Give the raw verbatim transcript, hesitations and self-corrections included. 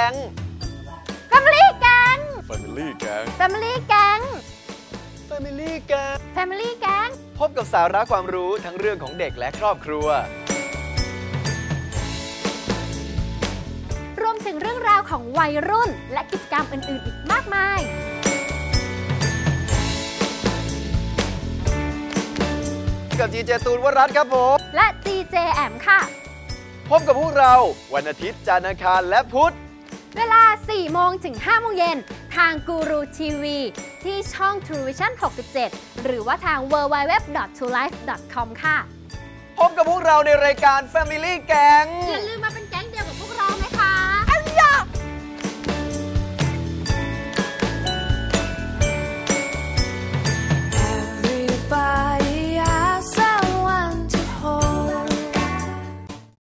ง Family Gang Family Gang Family Gang Family Gang Family Gang พบกับสาระความรู้ทั้งเรื่องของเด็กและครอบครัวรวมถึงเรื่องราวของวัยรุ่นและกิจกรรมอื่นๆอีกมากมายกับจีเจตูนวรัตน์ครับผมและ จี เจ แอมค่ะพบกับพวกเราวันอาทิตย์จันทร์อังคารและพุธเวลา สี่โมงถึง ห้าโมงเย็นทางกูรูทีวีที่ช่อง True Vision หกสิบเจ็ด หรือว่าทาง ดับเบิลยู ดับเบิลยู ดับเบิลยู ดอท ทู ไลฟ์ ดอท คอม ค่ะพบกับพวกเราในรายการ Family Gang อย่าลืมมาเป็น